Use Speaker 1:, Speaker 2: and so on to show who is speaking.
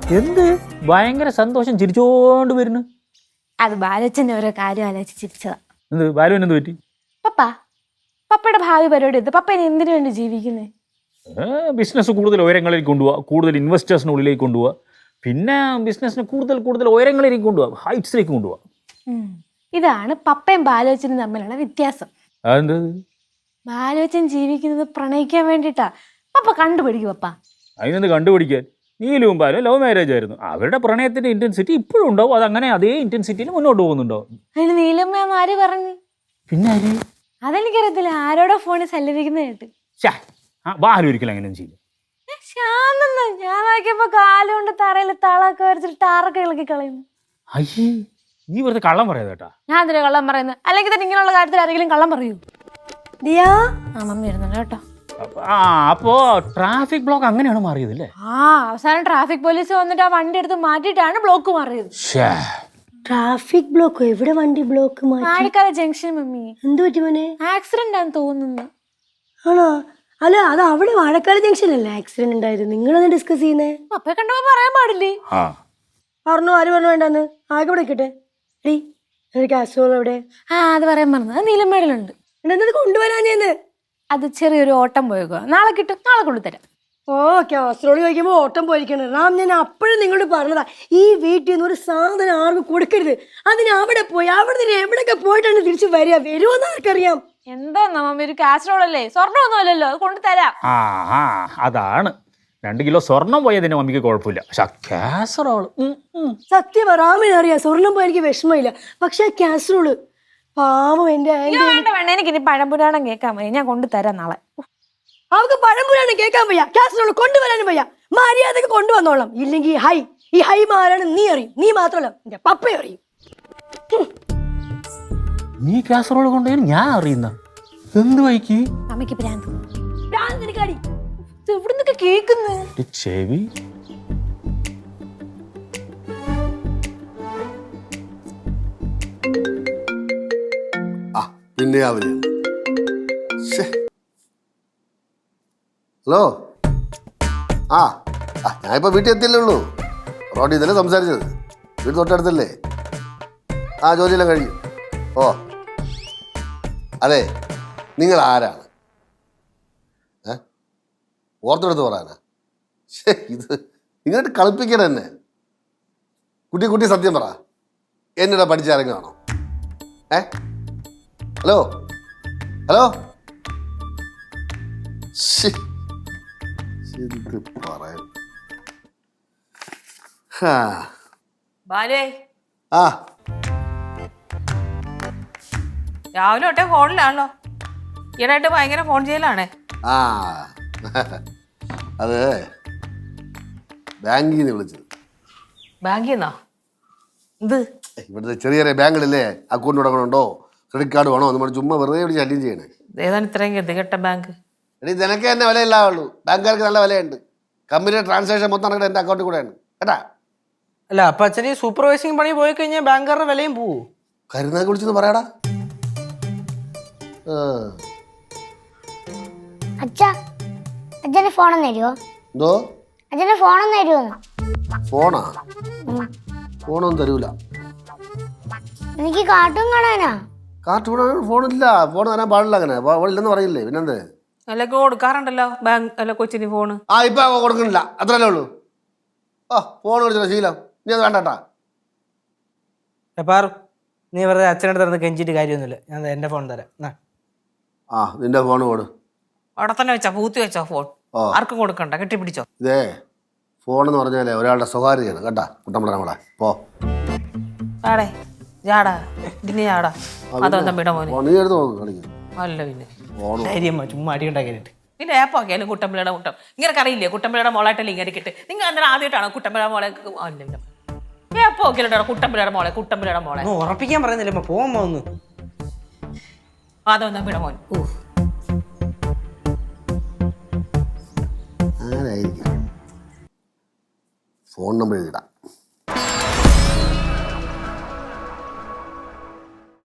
Speaker 1: എന്ത് ഭയങ്കര സന്തോഷം ചിരിച്ചോണ്ട് വരുന്നു.
Speaker 2: അത് ബാലച്ചന്റെ ഓരോ കാര്യം ആലോചിച്ച് ചിരിച്ചതാ.
Speaker 1: എന്ത് ബാലുവിന് എന്ത് പറ്റി?
Speaker 2: പപ്പയുടെ ഭാവി പരിപാടി എടുത്ത് പപ്പ ഇനി എന്തിനു വേണ്ടി ജീവിക്കുന്നേ?
Speaker 1: ബിസിനസ് കൂടുതൽ ഉയരങ്ങളിലേക്ക് കൊണ്ടുപോവുക, കൂടുതൽ ഇൻവെസ്റ്റേഴ്സിനുള്ളിലേക്ക് കൊണ്ടുപോവുക, പിന്നെ ബിസിനസ്സിന് കൂടുതൽ ഉയരങ്ങളിലേക്ക് കൊണ്ടുപോവുക, ഹൈറ്റ്സിലേക്ക് കൊണ്ടുപോവുക.
Speaker 2: ഇതാണ് പപ്പയും ബാലോച്ചനും തമ്മിലുള്ള വ്യത്യാസം.
Speaker 1: അതെന്ത്?
Speaker 2: ബാലോച്ചൻ ജീവിക്കുന്നത് പ്രണയിക്കാൻ വേണ്ടിട്ടാ. പപ്പ കണ്ടുപിടിക്കും. പപ്പ
Speaker 1: അതിനൊന്ന് കണ്ടുപിടിക്കാൻ. നീലും ബാലും ലവ് മാരേജ് ആയിരുന്നു. അവരുടെ പ്രണയത്തിന്റെ ഇന്റൻസിറ്റി ഇപ്പോഴും ഉണ്ടാവും. അതങ്ങനെ അതേ ഇന്റൻസിറ്റിയിൽ മുന്നോട്ട് പോകുന്നുണ്ടാവും.
Speaker 2: അതിന് നീലമ്മ ആര് പറഞ്ഞു?
Speaker 1: പിന്നെ ആര്?
Speaker 2: അതെനിക്കറിയത്തില്ല. ആരോടോ ഫോണിൽ സല്ലപിക്കുന്ന കേട്ട്.
Speaker 1: ബാലു ഒരിക്കലും അങ്ങനെ ചെയ്യും.
Speaker 2: ശാന്തെന്ന് ഞാൻ നോക്കിയപ്പോ കാലുകൊണ്ട് തറയിൽ തളൊക്കെ വരച്ചിട്ട് ടാറൊക്കെ ഇളക്കി കളയുന്നു.
Speaker 1: അയ്യേ, നീ വെറുതെ കള്ളം പറയാതെ കേട്ടാ.
Speaker 2: ഞാൻ എന്തിനാ കള്ളം പറയുന്നത്? അല്ലെങ്കിൽ തന്നെ ഇങ്ങനെയുള്ള കാര്യത്തിൽ ആരെങ്കിലും കള്ളം പറയൂ? ദിയാ മമ്മി ഇരുന്നുണ്ട് കേട്ടോ.
Speaker 1: അപ്പോ ട്രാഫിക് ബ്ലോക്ക് അങ്ങനെയാണ് മാറിയത് അല്ലേ?
Speaker 2: അവസാനം ട്രാഫിക് പോലീസ് വന്നിട്ട് ആ വണ്ടി എടുത്ത് മാറ്റിയിട്ടാണ് ബ്ലോക്ക് മാറിയത്.
Speaker 3: ട്രാഫിക് ബ്ലോക്കോ? എവിടെ വണ്ടി ബ്ലോക്ക്?
Speaker 2: മാണിക്കാല junction mummy.
Speaker 3: എന്ത് പറ്റി മോനെ?
Speaker 2: ആക്സിഡന്റ് ആണെന്ന് തോന്നുന്നു.
Speaker 3: ആണോ? അല്ല, അത് അവിടെ വാഴക്കാട് ജംഗ്ഷൻ അല്ലേ ആക്സിഡന്റ് ഉണ്ടായത്? നിങ്ങളൊന്ന് ഡിസ്കസ് ചെയ്യുന്നേ.
Speaker 2: പപ്പയെ കണ്ടപ്പോ പറയാൻ പാടില്ലേ?
Speaker 3: പറഞ്ഞു. ആര് പറഞ്ഞു വേണ്ടെന്ന്? ആകെ വിളിക്കട്ടെ. കാസറോൾ എവിടെ?
Speaker 2: അത് പറയാൻ പറഞ്ഞത്. അത് നീലമേടലുണ്ട്.
Speaker 3: എന്നത് കൊണ്ടുവരാൻ ചെയ്യുന്നത്.
Speaker 2: അത് ചെറിയൊരു ഓട്ടം പോയേക്കുക. നാളെ കിട്ടും. നാളെ കൊണ്ടുതരാം.
Speaker 3: കാസറോള് ചോദിക്കുമ്പോൾ ഓട്ടം പോയിരിക്കണം. റാം, ഞാൻ അപ്പോഴും നിങ്ങളോട് പറഞ്ഞതാ, ഈ വീട്ടിൽ നിന്ന് ഒരു സാധനം ആർക്കും കൊടുക്കരുത്. അതിന് അവിടെ പോയി അവിടെ നിന്ന് എവിടെയൊക്കെ പോയിട്ടാണ് തിരിച്ചു വരുമെന്ന് ആർക്കറിയാം.
Speaker 2: എന്താ മമ്മി, ഒരു കാസറോൾ അല്ലേ? സ്വർണ്ണമൊന്നും അല്ലല്ലോ. അത് കൊണ്ടുതരാം.
Speaker 1: അതാണ് 2 കിലോ സ്വർണം പോയതിന് മമ്മിക്ക് കുഴപ്പമില്ല. പക്ഷെ കാസറോള്
Speaker 3: സത്യം റാമിന് അറിയാം. സ്വർണം പോയി എനിക്ക് വിഷമമില്ല. പക്ഷെ കാസറോള് പാവം എന്റെ
Speaker 2: വേണ്ട. എനിക്ക് ഇനി പഴംപുരാണം കേൾക്കാൻ മതി. ഞാൻ കൊണ്ടുതരാം നാളെ.
Speaker 3: അവർക്ക് പഴംപുരാണം കേൾക്കാൻ വയ്യ, കാസറോള് കൊണ്ടുവരാനും വയ്യ. മര്യാദക്ക് കൊണ്ടുവന്നോളാം. ഇല്ലെങ്കിൽ ഈ ഹൈ മാരാണ് നീ അറിയും. നീ മാത്രമല്ല, എന്റെ പപ്പയും അറിയും.
Speaker 1: നീ കാസറോള് കൊണ്ടുപോയി ഞാൻ അറിയുന്ന എന്ത് വൈക്ക്?
Speaker 2: അമ്മയ്ക്ക് ഭ്രാന്ത്.
Speaker 3: എവിടുന്നൊക്കെ കേക്കുന്നു
Speaker 1: ചെവി.
Speaker 4: പിന്നെ ഹലോ. ഞാനിപ്പോൾ വീട്ടിൽ എത്തിയല്ലേ ഉള്ളൂ. റോഡിൽ ഇതല്ലേ സംസാരിച്ചത്. വീട് തൊട്ടടുത്തല്ലേ? ജോലിയെല്ലാം കഴിഞ്ഞു. അതെ, നിങ്ങൾ ആരാണ്? ഓർത്തെടുത്ത് പറയാനാ? ഇത് നിങ്ങോട്ട് കളിപ്പിക്കണം എന്നെ. കുട്ടി സത്യം പറ. എന്നിടെ പഠിച്ചിറങ്ങുകയാണോ? ഹലോ പറയാൻ
Speaker 5: രാവിലെ തൊട്ടേ ഫോണിലാണല്ലോ. ഈയിടെയായിട്ട് ഭയങ്കര ഫോൺ ചെയ്യലാണേ.
Speaker 4: അത് ബാങ്കിൽ നിന്ന് വിളിച്ചത്.
Speaker 5: ബാങ്കിൽ നിന്നോ? ഇത്
Speaker 4: ഇവിടുത്തെ ചെറിയ ബാങ്കുകളില്ലേ, അക്കൗണ്ട് തുടങ്ങണുണ്ടോ, ക്രെഡിറ്റ് കാർഡ് വേണോ എന്ന് ചുമ്മാ വെറുതെ ഇവിടെ ശല്യം ചെയ്യണേ.
Speaker 5: ഏതാണ് ഇത്രയും ഗതികെട്ട ബാങ്ക്?
Speaker 4: നിനക്ക് തന്നെ വിലയില്ലാവുള്ളൂ. ബാങ്കുകാർക്ക് നല്ല വിലയുണ്ട്. കമ്പനിയുടെ ട്രാൻസാക്ഷൻ മൊത്തം നടക്കുന്നത് എൻ്റെ അക്കൗണ്ടിൽ കൂടെയാണ് കേട്ടാ.
Speaker 6: അല്ല, അപ്പൊ അച്ഛന് സൂപ്പർവൈസിങ് പണി പോയി കഴിഞ്ഞാൽ ബാങ്കുകാരുടെ വിലയും പോവും.
Speaker 4: കരുനാക്ക് വിളിച്ചെന്ന് പറയാടാ.
Speaker 7: അച്ഛന് ഫോണൊന്നും തരുമോ?
Speaker 4: എന്തോ?
Speaker 7: അച്ഛന് ഫോണൊന്നും തരുമോ?
Speaker 4: ഫോണൊന്നും തരൂല.
Speaker 7: എനിക്ക് കാർട്ടൂൺ കാണാനാ.
Speaker 4: കാർട്ടൂൺ ഫോണില്ല. ഫോൺ തരാൻ പാടില്ല. അങ്ങനെ ഇല്ലെന്ന് പറയില്ലേ? പിന്നെന്ത്?
Speaker 5: അല്ലൊക്കെ കൊടുക്കാറുണ്ടല്ലോ ബാങ്ക് അല്ല കൊച്ചിന് ഫോണ്.
Speaker 4: ഇപ്പൊ കൊടുക്കണില്ല. അത്രല്ലേ ഉള്ളൂ. ഫോൺ വിളിച്ചോ ശീലം. നീ അത് വേണ്ടട്ടാ.
Speaker 6: പാറു, നീ വെറുതെ അച്ഛനടുത്ത് നടന്ന് കെഞ്ചിട്ട് കാര്യമൊന്നുമില്ല. ഞാൻ എന്റെ ഫോൺ തരാം.
Speaker 4: നിന്റെ ഫോൺ കൊടു.
Speaker 5: അവിടെ തന്നെ വെച്ചോ, പൂത്തി വെച്ചോ ഫോൺ. ആർക്കും കൊടുക്കണ്ട, കെട്ടിപ്പിടിച്ചോ.
Speaker 4: ഇതേ ഫോൺ എന്ന് പറഞ്ഞാലേ ഒരാളുടെ സ്വകാര്യതയാണ് കേട്ടാ. കുട്ടമ്പള നമ്മളെ
Speaker 5: ആടേ ജാടാ ഇതിന് ജാടാ. അതൊന്നും വിട മോനെ.
Speaker 4: നീ എടുത്ത് നോക്ക് കളിക്കും.
Speaker 5: അല്ല പിന്നെ
Speaker 6: ചുമ്മാ അടി ഉണ്ടാക്കിയിട്ട്
Speaker 5: പിന്നെ ഏപ്പാക്കിയാലും കുട്ടമ്പിളയുടെ മുട്ടം ഇങ്ങനെ അറിയില്ലേ? കുട്ടമ്പിളയുടെ മോളായിട്ടല്ലേ ഇങ്ങനെ കിട്ട്. നിങ്ങൾ അന്നേരം ആദ്യമായിട്ടാണോ കുട്ടമ്പിളയുടെ മോളെ? ഏപ്പോക്കിയാലോ കുട്ടമ്പിളയുടെ മോളെ
Speaker 6: ഉറപ്പിക്കാൻ പറയുന്നില്ല. പോകുമ്പോ ഒന്ന്
Speaker 5: അതൊന്നും വിട മോൻ.
Speaker 4: ആരായിരിക്കും? Phone number എഴുതിടാം.